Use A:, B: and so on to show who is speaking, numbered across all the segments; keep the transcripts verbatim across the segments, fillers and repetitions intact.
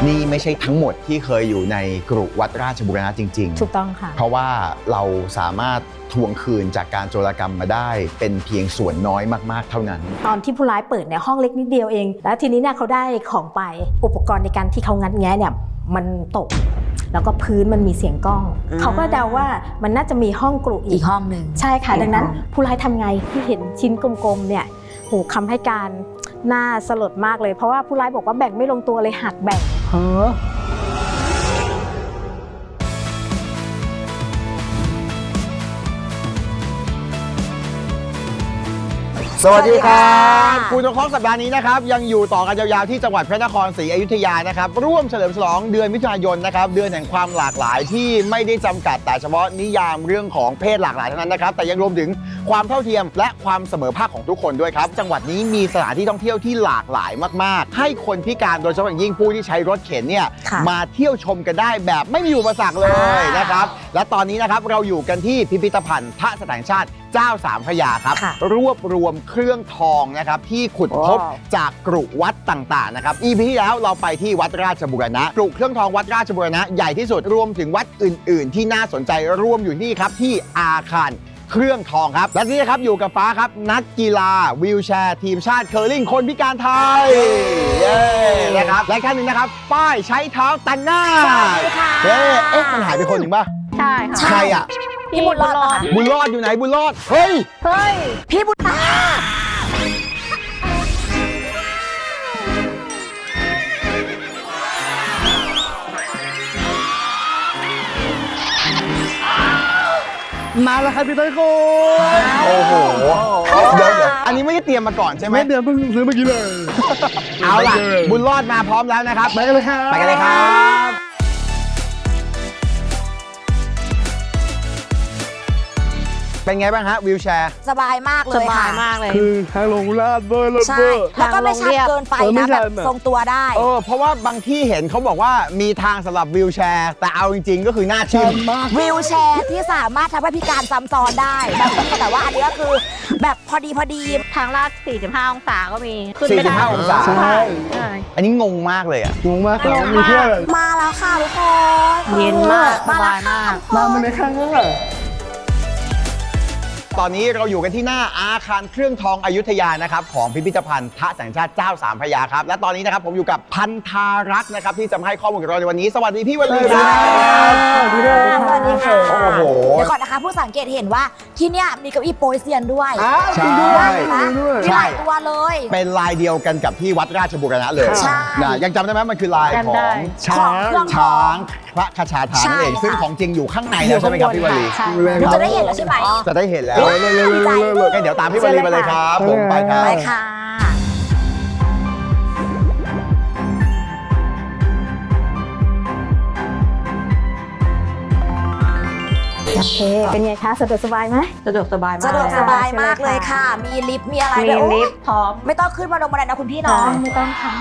A: นี่ไม่ใช่ทั้งหมดที่เคยอยู่ในกรุวัดราชบูรณะจริงๆ
B: ถูกต้องค่ะ
A: เพราะว่าเราสามารถทวงคืนจากการโจรกรรมมาได้เป็นเพียงส่วนน้อยมากๆเท่านั้น
B: ตอนที่ผู้ร้ายเปิดเนี่ยห้องเล็กนิดเดียวเองแล้วทีนี้เนี่ยเขาได้ของไปอุปกรณ์ในการที่เขางัดแงะเนี่ยมันตกแล้วก็พื้นมันมีเสียงก้องเขาก็เดาว่ามันน่าจะมีห้องกรุอีกห้องหนึ่งใช่ค่ะดังนั้นผู้ร้ายทำไงที่เห็นชิ้นกลมๆเนี่ยโหคำให้การน่าสลดมากเลยเพราะว่าผู้ร้ายบอกว่าแบ่งไม่ลงตัวเลยหักแบ่งเฮ้อ
A: สวัสดีครับคุณทองคำสัปดาห์นี้นะครับยังอยู่ต่อกันยาวๆที่จังหวัดพระนครศรีอยุธยานะครับร่วมเฉลิมฉลองเดือนมิถุนายนนะครับเดือนแห่งความหลากหลายที่ไม่ได้จำกัดแต่เฉพาะนิยามเรื่องของเพศหลากหลายเท่านั้นนะครับแต่ยังรวมถึงความเท่าเทียมและความเสมอภาคของทุกคนด้วยครับจังหวัดนี้มีสถานที่ท่องเที่ยวที่หลากหลายมากๆให้คนพิการโดยเฉพาะอย่างยิ่งผู้ที่ใช้รถเข็นเนี่ยมาเที่ยวชมกันได้แบบไม่มีอุปสรรคเลยนะครับและตอนนี้นะครับเราอยู่กันที่พิพิธภัณฑ์พระสถานชาติเจ้าสามพระยาครับรวบรวมเครื่องทองนะครับที่ขุดพบจากกรุวัดต่างๆนะครับ อี พี ที่แล้วเราไปที่วัดราชบูรณะกรุเครื่องทองวัดราชบูรณะใหญ่ที่สุดรวมถึงวัดอื่นๆที่น่าสนใจรวมอยู่ที่ครับที่อาคารเครื่องทองครับและนี่นะครับอยู่กับฟ้าครับนักกีฬาวีลแชร์ทีมชาติเคอร์ลิงคนพิการไทยเย้นะครับและขั้นหนึ่งนะครับป้ายใช้เท้าตันหน้าเฮ้เอ๊ะมันหายไปคนหนึ่งป่ะ
B: ใช่ค่ะ
A: ใครอ่ะ
B: พี่บุญรอด
A: บุญรอดอยู่ไหนบุญรอดเฮ้ย
B: เฮ้ยพี่บุญรอด
C: มาแล้วครับพี่ต้อยคุณ
A: โอ้โหเดี๋ยวอันนี้ไม่ได้เตรียมมาก่อนใช่ไหม
C: ไม่เตรียมเพิ่งซื้อเมื่อกี้เลย
A: เอาล่ะบุญรอดมาพร้อมแล้วนะครับ
C: ไปกันเลยครับ
A: ไปกันเลยครับเป็นไงบ้างฮะวิวแชร์
D: สบายมากเลยค่ะสบาย
B: มากเลย
C: คือทางลงลาดเบอร์รถเบอร์
D: แล้วก็ไม่ชันเกินไปนะแบบทรงตัวได้
A: เออเพราะว่าบางที่เห็นเขาบอกว่ามีทางสำหรับวิวแชร์แต่เอาจริงๆก็คือหน้าชิน
C: มาก
D: วิวแชร์ที่สามารถทำให้พิการซ้ำซ้อนได้แต่ว่าอันนี้ก็คือแบบพอดีพอดี
B: ทางลาดสี่สิบห้าองศาก็มี
A: ขึ้นไม่ได้สี่สิบห้าองศา
C: ใช่
A: อันนี้งงมากเลยอ่ะ
C: งงมากครับมีเพื่อน
D: มาแล้วค่ะทุกคน
B: เย็นมากสบายมาก
C: มามาเลยค่ะ
A: ตอนนี้เราอยู่กันที่หน้าอาคารเครื่องทองอยุธยานะครับของพิพิธภัณฑ์พระแสงชาติเจ้าสามพระยาครับและตอนนี้นะครับผมอยู่กับพันธารักษ์นะครับที่จะมาให้ข้อมูลกับเราในวันนี้สวัสดีพี่วลีครับ
D: สวัสดีค่ะสวัสดีค่ะ
A: โอ้โห
D: เดี๋ยวก่อนนะคะผู้สังเกตเห็นว่าที่เนี่ยมีเก้าอี้โปรยเซียนด้วย
A: ใช่
D: มีหลายตัวเลย
A: เป็นลายเดียวกันกับที่วัดราชบูรณะเลยนะยังจำได้ไหมมันคือลายของช้างช้างพระคชาทานนั่นเองซึ่งของจริงอยู่ข้างในแล้วใช่ไหมครับพี่วลี
D: จะได้เห็นแล้วใช่ไหม
A: จะได้เห็นแล้วงั้นเดี๋ยวตามพี่วลีไปเลยครับผมไปครับ
D: ไปค่ะ
B: โอเคเป็นไงคะสะดวกสบายไหม
E: สะดวกสบายมาก
D: สะดวกสบายมากเลยค่ะมีลิฟต์มีอะไร
B: มีลิฟต์พร้อม
D: ไม่ต้องขึ้นมาลงบันไดนะคุณพี่เนาะ
B: ไม่ต้องค่ะ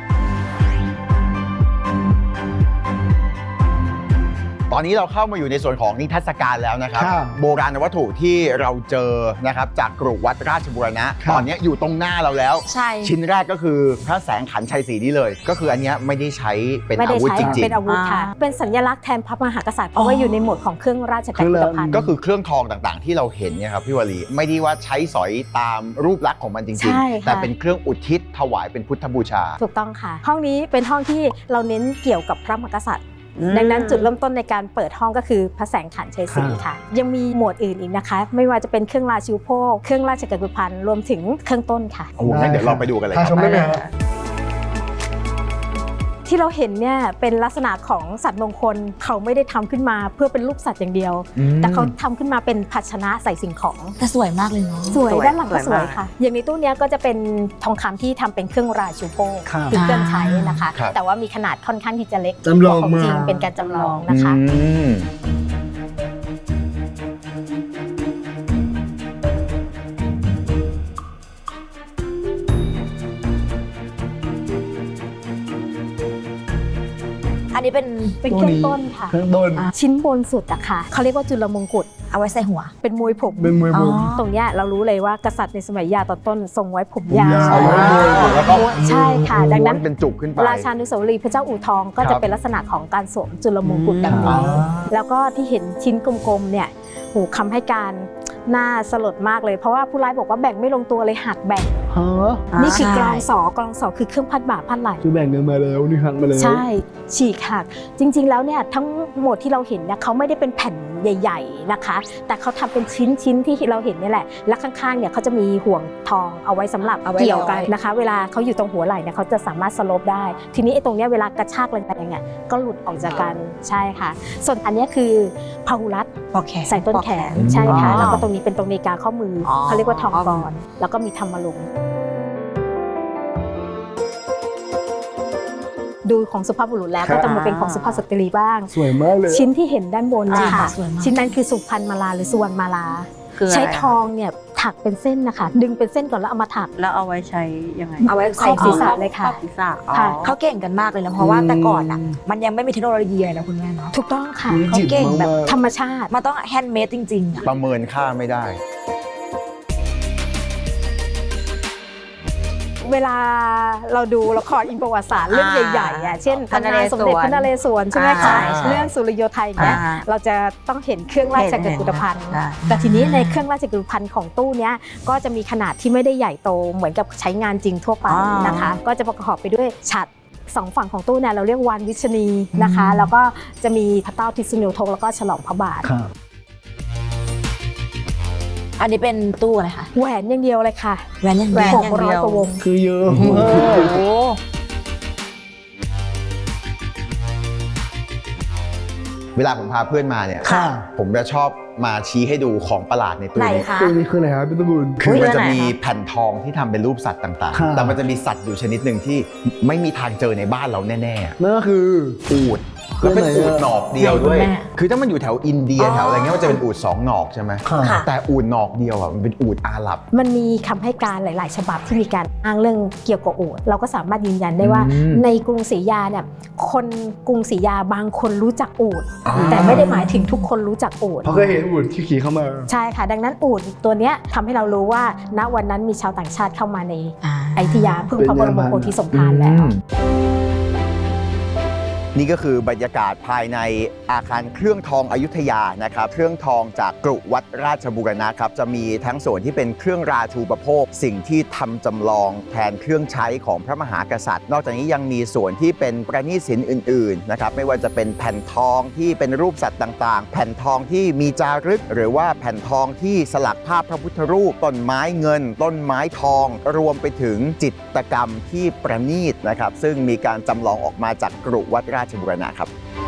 A: ตอนนี้เราเข้ามาอยู่ในส่วนของนิทรรศการแล้วนะครับโบราณวัตถุที่เราเจอนะครับจากกรุวัดราชบูรณะตอนนี้อยู่ตรงหน้าเราแล้วชิ้นแรกก็คือพระแสงขันชัยศรีนี่เลยก็คืออันนี้ไม่ได้ใช้เป็นอาวุธจริงๆ
B: เป็นอาวุธค่ะเป็นสัญลักษณ์แทนพระมหากษัตริย์เพราะว่าอยู่ในหมวดของเครื่องราชกิจภัณฑ์
A: ก็คือเครื่องทองต่างๆที่เราเห็นเนี่ยครับพี่วลีไม่ได้ว่าใช้สอยตามรูปลักษณ์ของมันจริงๆแต่เป็นเครื่องอุทิศถวายเป็นพุทธบูชา
B: ถูกต้องค่ะห้องนี้เป็นห้องที่เราเน้นเกี่ยวกับพระมหากษัตริย์ดังนั้นจุดเริ่มต้นในการเปิดห้องก็คือพระแสงขันชัยศรีค่ะยังมีหมวดอื่นอีกนะคะไม่ว่าจะเป็นเครื่องราชูปโภคเครื่องราชกิจภัณฑ์รวมถึงเครื่องต้นค่ะ
A: โอ้งั้นเดี๋ยวเราไปดูกันเลยครับ
B: ที่เราเห็นเนี่ยเป็นลักษณะของสัตว์มงคลเขาไม่ได้ทำขึ้นมาเพื่อเป็นรูปสัตว์อย่างเดียวแต่เขาทำขึ้นมาเป็นภาชนะใส่สิ่งของ
D: แต่สวยมากเลยเนาะ
B: สวยด้านหลังก็สวยค่ะอย่างในตู้นี้ก็จะเป็นทองคำที่ทำเป็นเครื่องราชูโภคคือเครื่องใช้นะคะแต่ว่ามีขนาดค่อนข้างที่จะเล็ก
C: จำลอง
B: ของจริงเป็นการจำลองนะคะ
D: อันนี้นี้เป็น
B: เป็นเครื่องต้นค่ะ
C: เครื่องต้น
B: ชิ้นบนสุดอะค่ะเขาเรียกว่าจุลมงกุฎ
D: เอาไว้ใส่หัว
B: เป็นมวยผม
C: เป็นมวยผม
B: ตรงเนี้ยเรารู้เลยว่ากษัตริย์ในสมัยยาตอนต้นทรงไว้ผม
C: ผมยาย
B: าว ว
A: แล้วก็
B: ใช่ค่ะ ดังนั้น
A: ม้วเป็นจุกขึ้นไป
B: ราชานุสาวรีย์พระเจ้าอู่ทองก็
A: ครั
B: จะ
A: บ
B: เป็นลักษณะของการสวมจุลมงกุฎแบบ
A: อ๋
B: นี้
A: อ
B: แล้วก็ที่เห็นชิ้นกลมๆเนี่ยโหคำให้การน่าสลดมากเลย เพราะว่าผู้ร้ายบอกว่าแบ่งไม่ลงตัวเลยหักแบ่ง
C: ฮะ
B: นี่คือกลอง
D: ใช่
B: สอกลองสอคือเครื่องพัดบ่าพัดไหล
C: คือแบ่งกันมาแล้วนี่หักมาแล้ว
B: ใช่ฉีกหักจริงๆแล้วเนี่ยทั้งหมดที่เราเห็นเนี่ยเขาไม่ได้เป็นแผ่นใหญ่ๆนะคะ แต่เขาทำเป็นชิ้นๆที่เราเห็นเนี่ยแหละและข้างๆเนี่ยเขาจะมีห่วงทองเอาไว้สำหรับ
D: เอาไว้
B: เกี่ยวกัน
D: ร้อย
B: นะคะ เวลาเขาอยู่ตรงหัวไหล่เนี่ยเขาจะสามารถสโลปได้ ทีนี้ไอ้ตรงเนี้ยเวลากระชากแรงๆเนี่ยก็หลุดออกจากกันใช่ค่ะ ส่วนอันเนี้ยคือพหุรัตน์
D: ปอกแขน
B: ใส่ต้นแขน
A: ปอกแขน
B: ใช่ค่ะ
D: อ๋อ
B: แล้วก็ตรงนี้เป็นตรงนาฬิกาข้อมืออ
D: อ
B: เขาเรียกว่าทองกรแล้วก็มีธรรมลงค์ดูของสุภาพบุรุษแล้ว
C: ครับ
B: ก็จะมาเป็นของสุภาพสตรีบ้าง
C: สวยมากเลย
B: ชิ้นที่เห็นด้านบนนะ
D: อ่า
B: คะ
D: สวยมาก
B: ชิ้นนั้นคือสุพรรณมาลาหรือสุวรรณมาลา
E: คืออะไร
B: ใช้ทองเนี่ยถักเป็นเส้นนะคะ ดึงเป็นเส้นก่อนแล้วเอามาถัก
E: แล้วเอาไว้ใช้ยังไง
D: เอาไว้
B: ครอบศีรษะเลยค่ะ
E: ครอบศีรษะอ๋อ
B: ค่ะ
D: เขาเก่งกันมากเลยนะเพราะว่าแต่ก่อนอ่ะมันยังไม่มีเทคโนโลยีอะไรนะคุณแม่เนาะ
B: ถูกต้องค่ะ
C: มี
D: เขา
C: จิต
D: เก่งแบบ
C: มากๆ
B: ธรรมชาติ
D: มันต้องแฮนด์เมดจริงๆอ่ะ
A: ประเมินค่าไม่ได้
B: เวลาเราดูละครอินประวัติศาสตร์เรื่องใหญ่ๆอ่ะเช่น
E: พระนเรศวร
B: ตำนานสมเด็จพระนเรศวรใช่ไหมคะ
A: อ่า
B: เรื่องสุริโยไทยเนี่ย
E: อ่า
B: เราจะต้องเห็นเครื่องราชกุฏภัณฑ์
E: อ่า
B: แต่ทีนี้ในเครื่องราชกุฏภัณฑ์ของตู้เนี้ยก็จะมีขนาดที่ไม่ได้ใหญ่โตเหมือนกับใช้งานจริงทั่วไป
E: อ๋อ
B: นะคะ ก็จะประกอบไปด้วยฉัตรสองฝั่งของตู้เนี่ยเราเรียกวานวิชนีนะคะ แล้วก็จะมีพระเต้าทิศนุทงแล้วก็ฉลองพระบาท
C: ครับ
D: อันนี้เป็นตู้อะไรคะ
B: แหวนอย่างเดียวเลยค่ะ
D: แหวนยัง
B: แหวน
D: แห
B: ห
D: วน
B: กร้อยกว่าวง
C: คือเยอะ
D: โอ้
C: มาก
D: โห
A: เวลาผมพาเพื่อนมาเนี่ย
C: ค่ะ
A: ผมจะชอบมาชี้ให้ดูของประหลาดในตู้
D: ไหน
A: นี้
D: คะ
C: ตัวนี้คืออะไรครับพี่ตะบุญ
A: คือมันจะ
E: เรื่องไหน
A: มี
E: คะ
A: แผ่นทองที่ทำเป็นรูปสัตว์ต่าง
C: ค่ะ
A: ๆ แต่มันจะมีสัตว์อยู่ชนิดหนึ่งที่ไม่มีทางเจอในบ้านเราแน่
C: นั่นก็คือ
A: ๆ อูดแล้วเป็นอูดหนอกเดียวด้วย
E: ไหนคุณแม่
A: คือถ้ามันอยู่แถวอินเดียแถวอะไรเงี้ยมันจะเป็นอูดสองหนอกใช่ไหม
C: ค่ะ
A: แต่อูดหนอกเดียวอ่ะมันเป็นอูดอาหรับ
B: มันมีคำให้การหลาย ๆ ฉบับที่มีการอ้างเรื่องเกี่ยวกับโอดเราก็สามารถยืนยันได้ว่า
A: อืม
B: ในกรุงศรีอยุธยาเนี่ยคนกรุงศรีอยุธยาบางคนรู้จักโอด
A: อ่า
B: แต่ไม่ได้หมายถึงทุกคนรู้จักโอด
C: เพราะเคยเห็นอุ่นที่ขี่เข้ามา
B: ใช่ค่ะ ดังนั้นอูดตัวเนี้ยทำให้เรารู้ว่าณวันนั้นมีชาวต่างชาติเข้ามาในอยุธยาพึ่งพระบรมโพธิสมภารแล้ว
A: นี่ก็คือบรรยากาศภายในอาคารเครื่องทองอยุธยานะครับเครื่องทองจากกรุวัดราชบูรณะครับจะมีทั้งส่วนที่เป็นเครื่องราชูปโภค สิ่งที่ทำจำลองแทนเครื่องใช้ของพระมหากษัตริย์ นอกจากนี้ยังมีส่วนที่เป็นประณีตศิลป์อื่นๆนะครับไม่ว่าจะเป็นแผ่นทองที่เป็นรูปสัตว์ต่างๆ แผ่นทองที่มีจารึก หรือว่าแผ่นทองที่สลักภาพพระพุทธรูปต้นไม้เงิน ต้นไม้ทอง รวมไปถึงจิตรกรรมที่ประณีตนะครับซึ่งมีการจำลองออกมาจากกรุวัดราชบูรณะครับ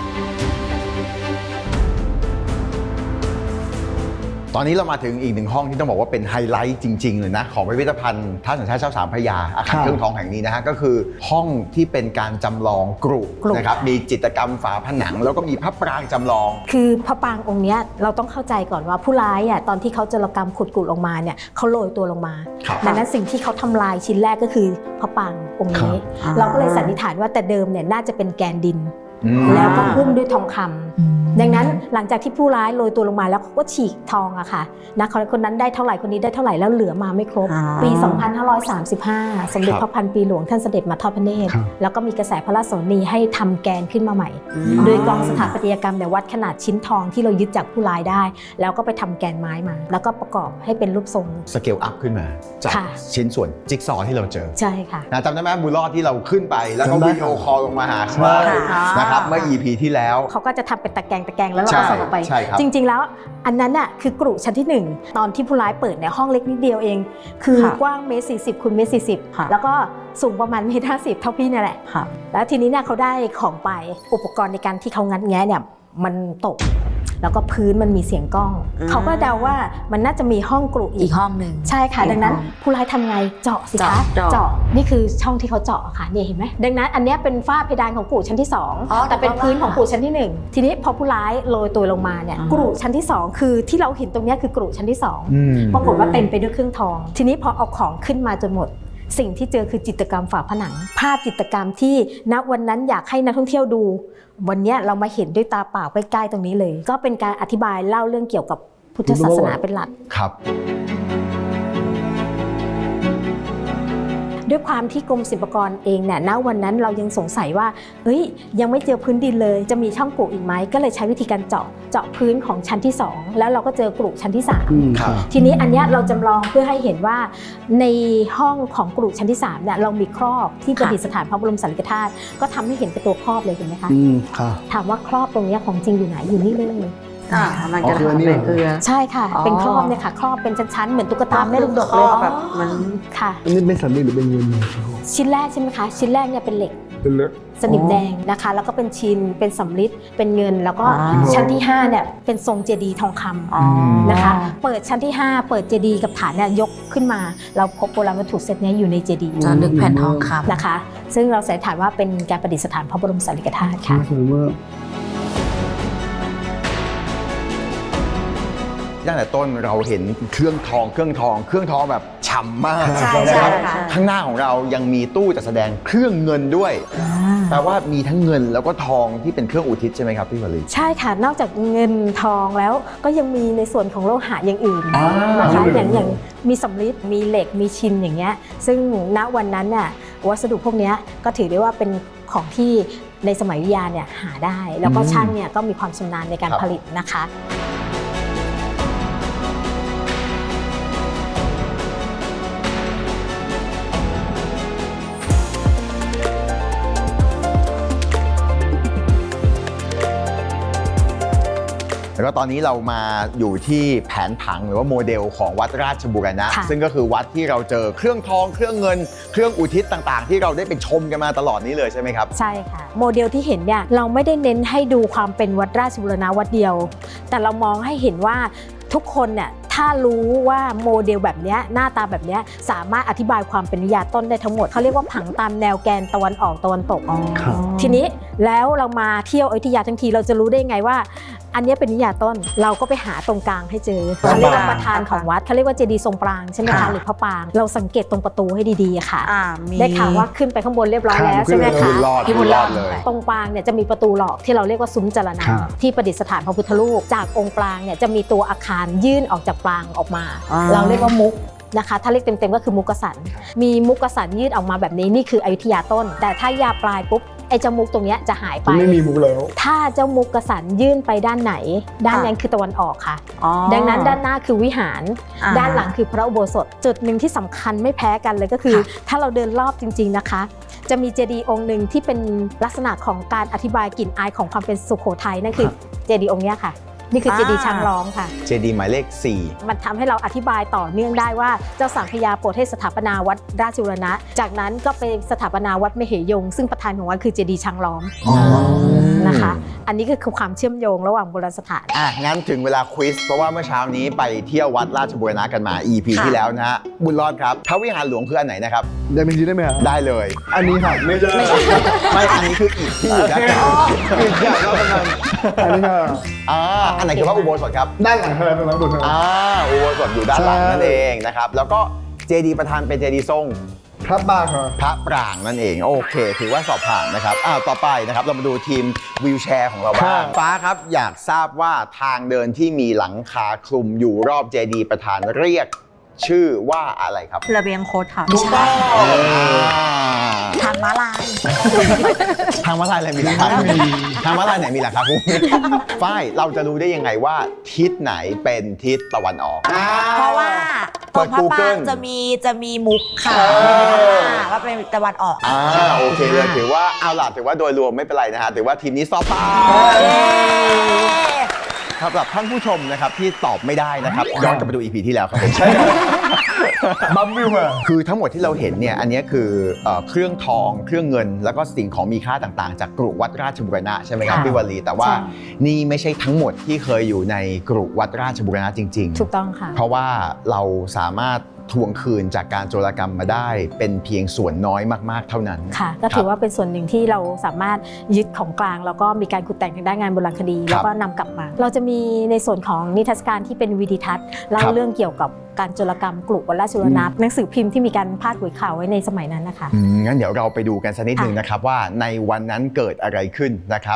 A: ตอนนี้เรามาถึงอีกหนึ่งห้องที่ต้องบอกว่าเป็นไฮไลท์จริง ๆ เลยนะของพิพิธภัณฑ์ท่าสัญชาติเจ้าสามพระยาอาคาร
C: ครับ
A: เครื่องทองแห่งนี้นะฮะก็คือห้องที่เป็นการจำลองกรุ
B: กรุ
A: นะครับมีจิตรกรรมฝาผนัง แล้วก็มีพระปรางจำลอง
B: คือพระปรางองค์เนี้ยเราต้องเข้าใจก่อนว่าผู้ร้ายอ่ะตอนที่เขาจรกรรมขุดกุลงมาเนี่ยเขาโรยตัวลงมา
A: ครับ
B: ดังนั้นสิ่งที่เขาทำลายชิ้นแรกก็คือพระปรางองค์นี้
E: ครับ
B: เราก็เลยสันนิษฐานว่าแต่เดิมเนี่ยน่าจะเป็นแกนดิน
A: อืม
B: แล้วก็หุ้มด้วยทองคำดังนั้นหลังจากที่ผู้ร้ายโรยตัวลงมาแล้วเขาก็ฉีกทองอะค่ะนะคนคนนั้นได้เท่าไหร่คนนี้ได้เท่าไหร่แล้วเหลือมาไม่ครบ
E: อ่า
B: ปี สองพันห้าร้อยสามสิบห้า สมเด็จ
A: ครับ
B: พระพันปีหลวงท่านเสด็จมาทอดพระเนตร
C: ครับ
B: แล้วก็มีกระแสพระราชโสนีให้ทำแกนขึ้นมาใหม่ โดยกองสถาปัตยกรรมเนี่ยวัดขนาดชิ้นทองที่เรายึดจากผู้ร้ายได้ แล้วก็ไปทำแกนไม้มา แล้วก็ประกอบให้เป็นรูปทรง
A: สเกลอัพขึ้นมาจาก
B: ค่ะ
A: ชิ้นส่วนจิ๊กซอว์ที่เราเจอ
B: ใช่ค่ะ
A: นะจำได้ไหมบุญรอดที่เราขึ้นไปแล้วก็
C: จำได้
A: วิดีโอคอลลงมาหาเขา
E: ค่ะ
A: นะครับเมื่อ อี พี ที่แล้ว
B: เขาก็จะทำเป็นตะแกรงตะแกรงแล้วเรา
A: ใช่
B: ก็ส่งออกไป
A: ใช่ครับ
B: จริง ๆ แล้วอันนั้นน่ะคือกรุชั้นที่หนึ่งตอนที่ผู้ร้ายเปิดเนี่ยห้องเล็กนิดเดียวเอง คือ
E: ค่ะ
B: กว้างเมตรสี่สิบคูณเมตรสี่สิบ
E: ค่ะ
B: แล้วก็สูงประมาณเมตรห้าสิบเท่าพี่เนี่ยแหละ
E: ค่ะ
B: แล้วทีนี้เนี่ยเขาได้ของไปอุปกรณ์ในการที่เขางัดแงะเนี่ยมันตก แล้วก็พื้นมันมีเสียงก้อง
E: อืม
B: เขาก็เดาว่ามันน่าจะมีห้องกรุอี
D: อี
B: ก
D: กห้องหนึ่ง
B: ใช่ค่ะ
E: อีก
B: ดังนั้น
E: ห้อง
B: ผู้ร้ายทำไงเจาะสิคะ
E: เจาะเจาะ
B: นี่คือช่องที่เขาเจาะค่ะเนี่ยเห็นไหมดังนั้นอันเนี้ยเป็นฝ้าเพดานของกรุชั้นที่สอง
D: อ๋อ
B: แต่เป็น
D: แต่ว่า
B: พื้นของกรุชั้นที่หนึ่งทีนี้พอผู้ร้ายโรยตัวลงมาเนี่ย
E: อ่า
B: กรุชั้นที่สองคือที่เราเห็นตรงเนี้ยคือกรุชั้นที่สอง
A: อืม
B: ปรากฏว่าเต็มไปด้วยเครื่องทอง ทีนี้พอเอาของขึ้นมาจนหมดสิ่งที่เจอคือจิตรกรรมฝาผนัง ภาพจิตรกรรมที่ณวันนั้นอยากให้นักท่องเที่ยวดู วันนี้เรามาเห็นด้วยตาเปล่าใกล้ๆตรงนี้เลย ก็เป็นการอธิบายเล่าเรื่องเกี่ยวกับพุทธศาสนาเป็นหลัก
A: ครับ
B: ด้วยความที่กรมศิลปากรเองเนี่ยณวันนั้นเรายังสงสัยว่าเอ้ยยังไม่เจอพื้นดินเลยจะมีช่องกรุอีกไหมก็เลยใช้วิธีการเจาะเจาะพื้นของชั้นที่สองแล้วเราก็เจอกรุชั้นที่สาม
C: อืม
A: ครับ
B: ทีนี้อันเนี้ยเราจำลองเพื่อให้เห็นว่าในห้องของกรุชั้นที่สามเนี่ยเรามีครอบที่ประดิษฐานพระบรมสารีริกธาตุก็ทำให้เห็นเป็นตัวครอบเลยเห็นไหมคะ
C: อืมค่ะ
B: ถามว่าครอบตรงเนี้ยของจริงอยู่ไหนอยู่นี่เลย
E: อ่ามันจะ
C: อ๋อคืออัน
E: ทำ
C: นี้
E: เป็น
C: เหรอ
E: เกลือ
B: ใช่ค่ะ
E: อ๋อ
B: เป็นครอบเนี่ยค่ะครอบเป็นชั้นๆเหมือนตุ๊กตาแม่ลูกดก
E: คร
B: เล
E: อย บแบบมัน
B: ค่ะ
C: อันนี้เป็นสำลีหรือเป็นเงิน
B: ชิ้นแรกใช่ไหมคะชิ้นแรกเนี่ยเป็นเหล็ก
C: เป็นเล็ก
B: สนิมแดงนะคะ แล้วก็เป็นชินเป็นสำริดเป็นเงิน แล้วก็
E: อ๋อ
B: ชั้นที่ห้าเนี่ยเป็นทรงเจดีย์ทองคำ
E: อ๋อ
B: นะคะ เปิดชั้นที่ห้าเปิดเจดีย์กับฐานเนี่ยยกขึ้นมา เราพบโบราณวัตถุเซตเนี้ยอยู่ในเจดีย์
E: จะลึกแผ่นทองคำ
B: นะคะ ซึ่งเราสันนิษฐานว่าเป็นการประดิษฐานพระบรมสารีริกธาตุค่ะ
C: น่าสนมาก
A: ตั้งแต่ต้นเราเห็นเครื่องทองเครื่องทอง เครื่องทองแบบฉ่ำมาก
D: ใช่
A: นะ
D: ใช่
A: ครับ
D: ค่ะ
A: ข้างหน้าของเรายังมีตู้จัดแสดงเครื่องเงินด้วยแปลว่ามีทั้งเงินแล้วก็ทองที่เป็นเครื่องอุทิศใช่ไหมครับพี่วลี
B: ใช่ค่ะ นอกจากเงินทองแล้วก็ยังมีในส่วนของโลหะอย่างอื่น
A: อ่าน
B: นะคะอย่างอย่างมีสำริดมีเหล็กมีชินอย่างเงี้ยซึ่งณวันนั้นน่ะวัสดุพวกเนี้ยก็ถือได้ว่าเป็นของที่ในสมัยวิทยาเนี่ยหาได้ แล้วก็ช่างเนี่ยก็มีความชำนาญในการผลิตนะคะ
A: แล้วก็ตอนนี้เรามาอยู่ที่แผนผังหรือว่าโมเดลของวัดราชบูรณะ
B: ค่ะ
A: ซึ่งก็คือวัดที่เราเจอเครื่องทองเครื่องเงิน เครื่องอุทิศต่างๆ ที่เราได้ไปชมกันมาตลอดนี้เลยใช่ไหมครับ
B: ใช่ค่ะโมเดลที่เห็นเนี่ยเราไม่ได้เน้นให้ดูความเป็นวัดราชบูรณะวัดเดียว แต่เรามองให้เห็นว่าทุกคนเนี่ยถ้ารู้ว่าโมเดลแบบเนี้ยหน้าตาแบบเนี้ยสามารถอธิบายความเป็นวิทยาต้นได้ทั้งหมดเขาเรียกว่าผังตามแนวแกนตะวันออกตะวันตก
C: ครับ
B: ทีนี้แล้วเรามาเที่ยวอยุธยาทั้งทีเราจะรู้ได้ไงว่า อันนี้เป็นวิทยาต้นเราก็ไปหาตรงกลางให้เจอเขาเรียกว่าประธานของวัดเขาเรียกว่าเจดีย์ทรงปรางใช่ไหม
A: ครั
B: คะ
A: บ
B: หรือพระปรางเราสังเกตตรงประตูให้ดีๆค่ะ
E: อ่ามี
B: ได้ข่าวว่าขึ้นไปข้างบนเรียบร้อยแล้วใช่ไหม
A: คุ
B: คะ
A: ณรอด
B: ที่
A: คุ
B: บุ
A: ณ
B: ญ
A: ร
B: ร
A: อ
B: อ
A: ด
B: ด
A: เลย
B: ตรงปรางเนี่ยจะมีประตูหลอกที่เราเรียกว่าซุ้มจรณะ
C: ครับ
B: ที่ประดิษฐานพระพุทธรูปจากองค์ปรางเนี่ยจะมีตัวอาคารยื่นออกจากปรางออกมา
E: อ่า
B: เราเรียกว่ามุกนะคะถ้าเรียกเต็มๆก็คือมุกกสันมีมุกกสันยื่นออกมาแบบนี้นี่คืออยุธยาต้น แต่ถ้ายาปลายปุ๊บไอ้เจ้ามุกตรงเนี้ยจะหายไป
C: ไม่มีมุกแล้ว
B: ถ้าเจ้ามุกกสันยื่นไปด้านไหน ด้านนั้นคือตะวันออกค่ะ
E: อ๋อ
B: ดังนั้นด้านหน้าคือวิหาร
E: อ่า
B: ด้านหลังคือพระอุโบสถ จุดหนึ่งที่สำคัญไม่แพ้กันเลยก็คือ ถ้าเราเดินรอบจริงๆนะคะ จะมีเจดีย์องค์หนึ่งที่เป็นลักษณะของการอธิบายกลิ่นอายของความเป็นสุโขทัยนั่นคือเจดีย์องค์เนี้ยค่ะ นี่คือเจดีย์ช้างร้องค่ะ
A: เจดีย์หมายเลขสี่
B: มันทำให้เราอธิบายต่อเนื่องได้ว่าเจ้าสังขยาโปรดให้สถาปนาวัดราชบูรณะ จากนั้นก็ไปสถาปนาวัดมเหยง ซึ่งประธานของวัดคือเจดีย์ช้างล้อมนะคะ อันนี้ก็คือความเชื่อมโยงระหว่างโบราณสถาน
A: อ่ะงั้นถึงเวลาควิสเพราะว่าเมื่อเช้านี้ไปเที่ยววัดราชบูรณะกันมา อี พี
B: ค่ะ
A: ที่แล้วนะฮะบุญรอดครับพระวิหารหลวงคืออันไหนนะครับ
C: ได้เป็นทีได้ไหมฮะ
A: ได้เลย
C: อันนี้ค่ะไม่ใช่
A: ไม่อันนี้คืออีกที่นะอีกอย่างเรากำลัง
C: อันนี้ค่ะ
A: อ่าอันไหนคือพระอุโบสถครับ
C: ด้านหลังค่ะด้านหลังบนค่ะ
A: อ่าอุโบสถอยู่ด้านหลัง
C: ใช่
A: นั่นเองนะครับแล้วก็เจดีย์ประธานเป็นเจดีย์ทรง
C: พระบาค่ะ
A: พระปรางนั่นเองโอเค ถือว่าสอบผ่านนะครับอ้าวต่อไปนะครับเรามาดูทีมวีลแชร์ของเราบ้างฟ้าครับอยากทราบว่าทางเดินที่มีหลังคาคลุมอยู่รอบเจดีย์ประธานเรียกชื่อว่าอะไรครับ
E: ระเบียงโคตรค่ะ
D: ไม่ใช่
A: อ่า
D: ทางม้าลาย
A: ทางม้าลายอะไรมีหลังคาคลุมทางม้าลายไหนมีหลังคาคลุมฝ้ายเราจะรู้ได้ยังไงว่าทิศไหนเป็นทิศตะวันออก
D: เพราะว่าต
A: เปิ
D: ร
A: ด
D: งพระปราง
A: Google
D: จะมีจะมีมุกค่ะ
A: เออ
D: ว่าเป็นตะวันออก
A: อ่าโอเคเลยถือว่าเอาล่ะถือว่าโดยรวมไม่เป็นไรนะฮะถือว่าทีมนี้สอบผ่านสำหรับท่านผู้ชมนะครับที่ตอบไม่ได้นะครับย้อนกลับไปดู อี พี ที่แล้วครับผมใช่
C: บัมบิวค่ะ
A: คือทั้งหมดที่เราเห็นเนี่ยอันนี้คือเอ่อเครื่องทองเครื่องเงิน แล้วก็สิ่งของมีค่าต่างๆ จากกรุวัดราชบูรณะใช่ไหมครับ
B: ค่ะ
A: พี่วลีแต่ว่า
B: ใช่
A: นี่ไม่ใช่ทั้งหมดที่เคยอยู่ในกรุวัดราชบูรณะจริง
B: ถูกต้องค่ะ
A: ๆ เพราะว่าเราสามารถทวงคืนจากการโจรกรรมมาได้ เป็นเพียงส่วนน้อยมากๆเท่านั้น
B: ค่ะก็ถือว่าเป็นส่วนหนึ่งที่เราสามารถยึดของกลางแล้วก็มีการขุดแต่งทางด้านงานโบราณคดี แล้วก็นำกลับมา เราจะมีในส่วนของนิทรรศการที่เป็นวิดีทัศน์เล่า
A: ครับ
B: เรื่องเกี่ยวกับการโจรกรรมกรุวัดราชบูรณะหนังสือพิมพ์ที่มีการพาดหัวข่าวไว้ในสมัยนั้นนะคะ
A: อืมงั้นเดี๋ยวเราไปดูกันสักนิดหนึ่งนะครับว่าในวันนั้นเกิดอะไรขึ้นนะครับ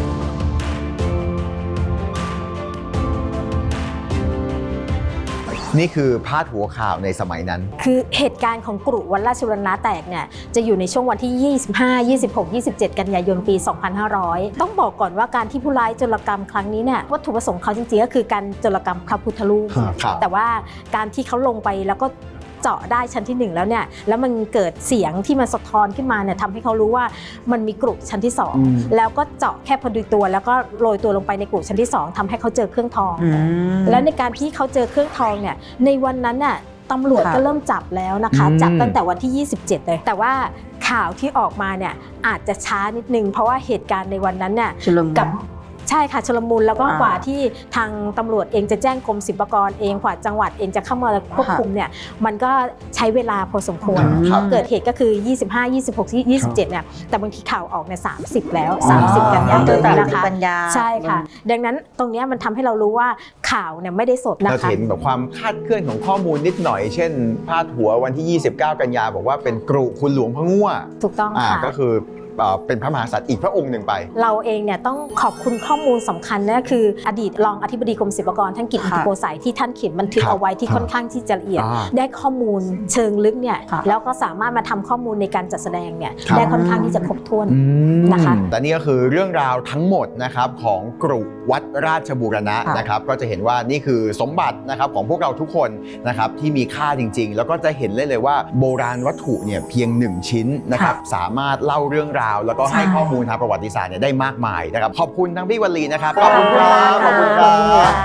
A: นี่คือพาดหัวข่าวในสมัยนั้น
B: คือเหตุการณ์ของกรุวัดราชบูรณะแตกเนี่ยจะอยู่ในช่วงวันที่ ยี่สิบห้า ยี่สิบหก ยี่สิบเจ็ด กันยายนปี สองพันห้าร้อย ต้องบอกก่อนว่าการที่ผู้ร้ายโจรกรรมครั้งนี้เนี่ยวัตถุประสงค์เขาจริงๆก็คือการโจรกรรมพระพุทธรูป
A: ครับ
B: แต่ว่าการที่เขาลงไปแล้วก็เจาะได้ชั้นที่หนึ่งแล้วเนี่ยแล้วมันเกิดเสียงที่มันสะท้อนขึ้นมาเนี่ยทำให้เขารู้ว่ามันมีกรุชั้นที่สอง
A: อืม
B: แล้วก็เจาะแค่พอดีตัวแล้วก็โรยตัวลงไปในกรุชั้นที่สองทำให้เขาเจอเครื่องทอง แล้วในการที่เขาเจอเครื่องทองเนี่ยในวันนั้นน่ะตำรวจ
E: ค่ะ
B: ก็เริ่มจับแล้วนะคะ
A: อืม
B: จับตั้งแต่วันที่ ยี่สิบเจ็ด เลย แต่ว่าข่าวที่ออกมาเนี่ยอาจจะช้านิดนึงเพราะว่าเหตุการณ์ในวันนั้นเนี่ย
E: ชุลมุน
B: กับใช่ค่ะชลมุนแล้วก็
E: อ่าก
B: ว่าที่ทางตำรวจเองจะแจ้งกรมศิลปากรเองกว่าจังหวัดเองจะเข้ามาควบคุมเนี่ยมันก็ใช้เวลาพอสมควร
A: ครับ
B: เกิดเหตุก็คือ ยี่สิบห้า ยี่สิบหก ยี่สิบเจ็ด เนี่ยแต่บางทีข่าวออกเนี่ยสามสิบแล้ว สามสิบ กันยายนนะคะ
E: กันยา
B: ใช่ค่ะ ดังนั้นตรงเนี้ยมันทำให้เรารู้ว่าข่าวเนี่ยไม่ได้สดนะ
A: เรา
B: คะ
A: เห็นแบบความคลาดเคลื่อนของข้อมูลนิดหน่อย เช่น พาดหัววันที่ ยี่สิบเก้า กันยาบอกว่าเป็นกรุคุณหลวงพระงั่ว
B: ถูกต้อง
A: อ่า
B: ค่ะ
A: ก็คือเอ่อเป็นพระมหากษัตริย์อีกพระองค์หนึ่งไป
B: เราเองเนี่ยต้องขอบคุณข้อมูลสำคัญนะคืออดีตรองอธิบดีกรมศิลปากรท่านกิตติ
E: ค่ะ
B: โกสัยที่ท่านเขียนบันทึก
A: ครับ
B: เอาไว้ที่ค่อนข้างที่จะละเอียด
A: อ่า
B: ได้ข้อมูลเชิงลึกเนี่ย
E: ค่ะ
B: แล้วก็สามารถมาทำข้อมูลในการจัดแสดงเนี่ย
A: ครับ
B: ได้ค่อนข้างที่จะครบถ้วน
A: อืม
B: นะคะ
A: แต่นี่ก็คือเรื่องราวทั้งหมดนะครับของกรุวัดราชบูรณะ
E: ค่ะ
A: นะครับก็จะเห็นว่านี่คือสมบัตินะครับของพวกเราทุกคนนะครับที่มีค่าจริง ๆ แล้วก็จะเห็นเลยเลยว่าโบราณวัตถุเนี่ยเพียงหนึ่งชิ้นนะครับสามารถเล่าเรื่องราว แล้วก็ให้ข้อมูลทางประวัติศาสตร์เนี่ยได้มากมายนะครับขอบคุณทั้งพี่วลีนะครับขอบคุณครับขอบคุณครับ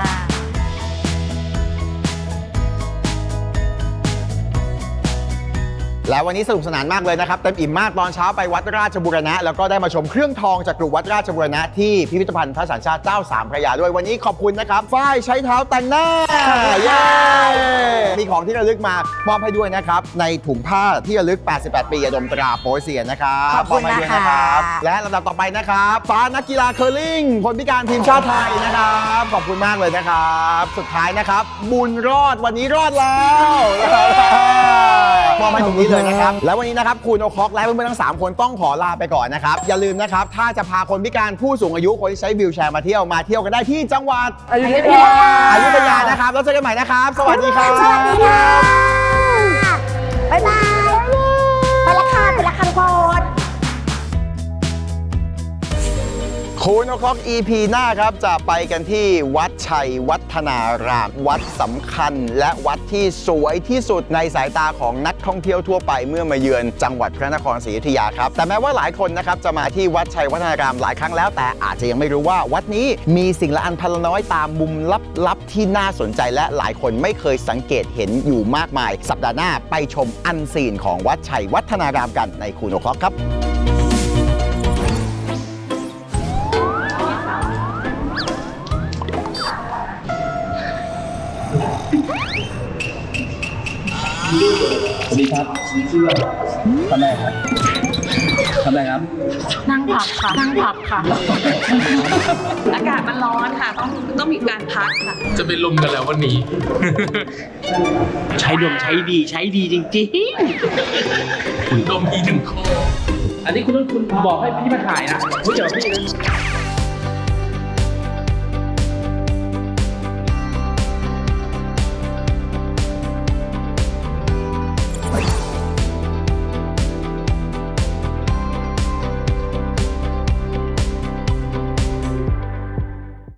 A: และวันนี้สนุกสนานมากเลยนะครับเต็มอิ่มมากตอนเช้าไปวัดราชบูรณะแล้วก็ได้มาชมเครื่องทองจากกรุวัดราชบูรณะที่พิพิธภัณฑ์พระสัญชาติเจ้าสามพระยาด้วยวันนี้ขอบคุณนะครับฝ้ายใช้เท้าแต่งหน้าเย้มีของที่ระลึกมามอบให้ด้วยนะครับในถุงผ้าที่ระลึก แปดสิบแปด ปียาดมตราโป๊ยเซียนนะครับ
D: ขอบคุณ
A: มให้ด้วย
D: นะคะ
A: รับและลำดับต่อไปนะครับฟ้านักกีฬาเคอร์ลิงคนพิการทีมชาติไทยนะครับขอบคุณมากเลยนะครับสุดท้ายนะครับบุญรอดวันนี้รอดแล้วมอบให้ตรงนี้เลยนะครับ แล้ววันนี้นะครับคุณโอคอกและเพื่อนๆทั้งสามคนต้องขอลาไปก่อนนะครับ อย่าลืมนะครับ ถ้าจะพาคนพิการผู้สูงอายุคนที่ใช้วีลแชร์มาเที่ยวมาเที่ยวกันได้ที่จังหวัดอยุธยาอยุธยานะครับแล้วเจอกันใหม่นะครับ สวัสดีครับ
D: สวัสดีค่ะ บ๊ายบาย ไปละค่ะไปละค่ะทุกคน
A: คุณโอคอก อี พี หน้าครับจะไปกันที่วัดชัยวัฒนาราม วัดสำคัญ และวัดที่สวยที่สุดในสายตาของนักท่องเที่ยวทั่วไปเมื่อมาเยือนจังหวัดพระนครศรีอยุธยาครับแต่แม้ว่าหลายคนนะครับจะมาที่วัดชัยวัฒนารามหลายครั้งแล้วแต่อาจจะยังไม่รู้ว่าวัดนี้มีสิ่งละอันพันละน้อยตามมุมลับๆที่น่าสนใจและหลายคนไม่เคยสังเกตเห็นอยู่มากมาย สัปดาห์หน้าไปชมอันซีนของวัดชัยวัฒนารามกันในคุณโอคอกครับ
F: สวัสดีครับชื่อทำอะไรครับทำอะไรครับ
E: นั่งพักค่ะ นั่งพักค่ะ อากาศมันร้อนค่ะ ต้องต้องมีการพักค่ะ
G: จะเป็นลมกันแล้ววันนี้
F: ใช้ดมใช้ดีใช้ดีจริง
G: ลมอีถึงคอ
F: ๆ อันนี้คุณต้องคุณบอกให้พี่มาถ่ายนะไม่เกี่ยวกับพี่นะ